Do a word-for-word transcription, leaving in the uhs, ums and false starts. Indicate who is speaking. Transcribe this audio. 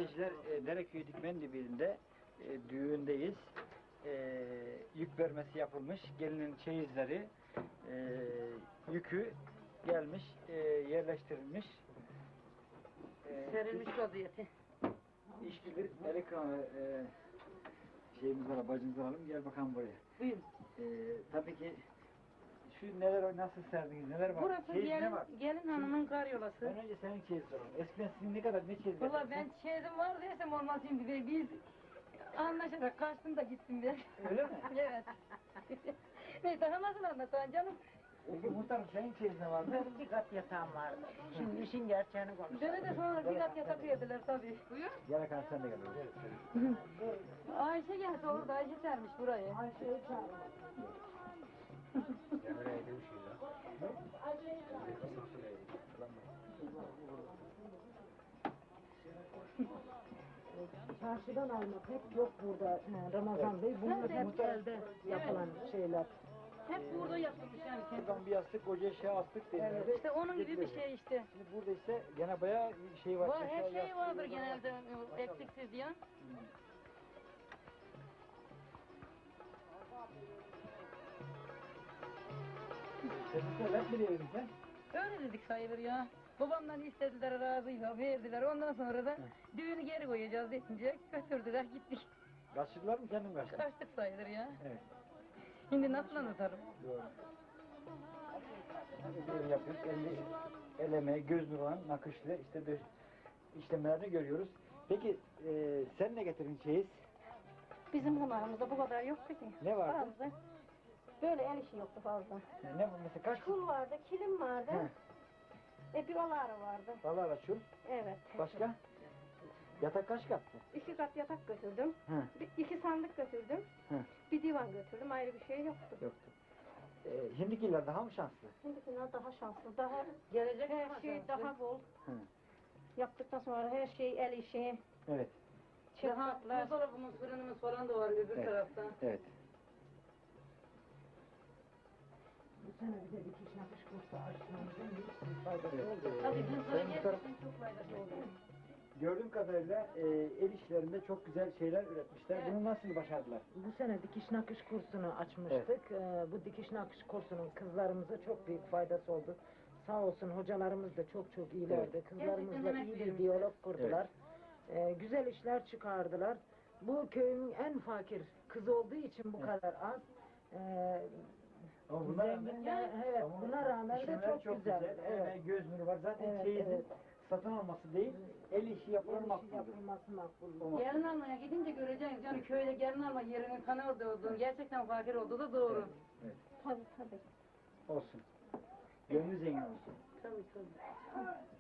Speaker 1: seyirciler, e, Dereköy Dikmendibi'nde e, düğündeyiz. E, yük vermesi yapılmış. Gelinin çeyizleri, e, yükü gelmiş, e, yerleştirilmiş. E,
Speaker 2: Serilmiş vaziyeti.
Speaker 1: İşgüdür, ekranı e, şeyimiz var, bacımızı alalım. Gel bakalım buraya.
Speaker 2: Buyurun.
Speaker 1: E, tabii ki şu neler, nasıl serdiniz, neler var?
Speaker 2: Burası
Speaker 1: Çeyiz ne
Speaker 2: gelin,
Speaker 1: var?
Speaker 2: gelin hanımın karyolası.
Speaker 1: Ben önce senin çeyiz soralım. Eskiden sizin ne kadar, ne çeyiz
Speaker 2: Valla
Speaker 1: verdiniz?
Speaker 2: ben çeyizim var desem olmaz şimdi de biz anlaşarak kaçtım da gittim ben.
Speaker 1: Öyle mi?
Speaker 2: Evet. Ne daha nasıl anlatan canım?
Speaker 1: Peki muhtarım senin çeyiz ne vardı?
Speaker 3: Benim bir kat yatağım vardı. Şimdi işin gerçeğini konuşalım.
Speaker 2: Beni de sonra bir kat yatak verdiler tabii. Buyur.
Speaker 1: Gel bakalım sen de gel.
Speaker 2: Ayşe geldi orada, Ayşe sermiş burayı.
Speaker 3: Ayşe'yi çağırın. Çarşıdan almak hep yok burada Ramazan Bey. Bunlar hep elde yapılan şeyler.
Speaker 2: Hep burada yapılmış yani.
Speaker 1: Buradan bir yastık, koca eşya astık denildi.
Speaker 2: İşte onun gibi bir şey işte.
Speaker 1: Şimdi burada ise gene bayağı şey var.
Speaker 2: Var, her
Speaker 1: eşya,
Speaker 2: şey
Speaker 1: yastık,
Speaker 2: vardır
Speaker 1: yastık.
Speaker 2: genelde eksiksiz diye.
Speaker 1: Sen de hep mi diyelim sen?
Speaker 2: Öyle dedik sayılır ya. Babamdan istediler, razıyla verdiler. Ondan sonra da düğünü geri koyacağız deyince götürdüler, gittik.
Speaker 1: Kaçırdılar mı, kendim kaçtım?
Speaker 2: Kaçtık sayılır ya.
Speaker 1: Evet.
Speaker 2: Şimdi nasıl anlatarım?
Speaker 1: Doğru. Böyle yapıyoruz. El, el emeği, göz nuru, nakışlı işte döş, işlemlerini görüyoruz. Peki e, sen ne getirdin çeyiz?
Speaker 2: Bizim zamanımızda bu kadar yoktu ki.
Speaker 1: Ne vardı?
Speaker 2: Fazla. Böyle el işi yoktu fazla.
Speaker 1: Ne, ne mesela kaç?
Speaker 2: Kul vardı, kilim vardı. E bir oları vardı.
Speaker 1: Vallahi açıl.
Speaker 2: Evet.
Speaker 1: Başka? Yatak kaç kattı?
Speaker 2: İki kat yatak götürdüm.
Speaker 1: Hı.
Speaker 2: Bir, iki sandık götürdüm.
Speaker 1: Hı.
Speaker 2: Bir divan götürdüm. Ayrı bir şey yoktu.
Speaker 1: Yoktu. Ee, şimdikiler daha mı şanslı?
Speaker 2: Şimdikiler daha şanslı, daha gelecek her şey daha bol.
Speaker 1: Hı.
Speaker 2: Yaptıktan sonra her şey el işi.
Speaker 1: Evet.
Speaker 2: Çıraklar. Buzdolabımız, fırınımız falan da var öbür
Speaker 1: Evet.
Speaker 2: tarafta.
Speaker 1: Evet.
Speaker 3: Bu sene bir de dikiş nakış kursu açmamızın büyük bir faydası oldu.
Speaker 2: Tabii kızlara
Speaker 1: Ben bu taraf-
Speaker 2: gerçekten çok faydası oldu.
Speaker 1: Gördüğüm kadarıyla e, el işlerinde çok güzel şeyler üretmişler.
Speaker 2: Evet.
Speaker 1: Bunu nasıl başardılar?
Speaker 3: Bu sene dikiş nakış kursunu açmıştık. Ee, bu dikiş nakış kursunun kızlarımıza çok büyük faydası oldu. Sağ olsun hocalarımız da çok çok iyilerdi. Kızlarımızla
Speaker 2: Gerçekten
Speaker 3: iyi bir
Speaker 2: emek
Speaker 3: diyalog kurdular. Ee, güzel işler çıkardılar. Bu köyün en fakir kızı olduğu için bu
Speaker 1: Evet.
Speaker 3: kadar az. Ee,
Speaker 1: Ama buna rağmen,
Speaker 3: zenginler, evet,
Speaker 1: ama
Speaker 3: buna rağmen de
Speaker 1: işlemler
Speaker 3: çok, güzel.
Speaker 1: Evet.
Speaker 3: Evet.
Speaker 1: Göz nuru var. Zaten
Speaker 3: Evet,
Speaker 1: çeyizin
Speaker 3: evet.
Speaker 1: satın alması değil, el işi yapılır
Speaker 3: El işi
Speaker 1: makbuldür.
Speaker 3: yapılması makbul.
Speaker 1: Olmaz.
Speaker 2: Gelin almaya gidince göreceğiz. Yani köyde gelin alma yerinin kanalda olduğunu, gerçekten fakir olduğu da doğru.
Speaker 1: Evet.
Speaker 2: Tabii tabii.
Speaker 1: Olsun. Gönlü zengin olsun.
Speaker 2: Tabii tabii.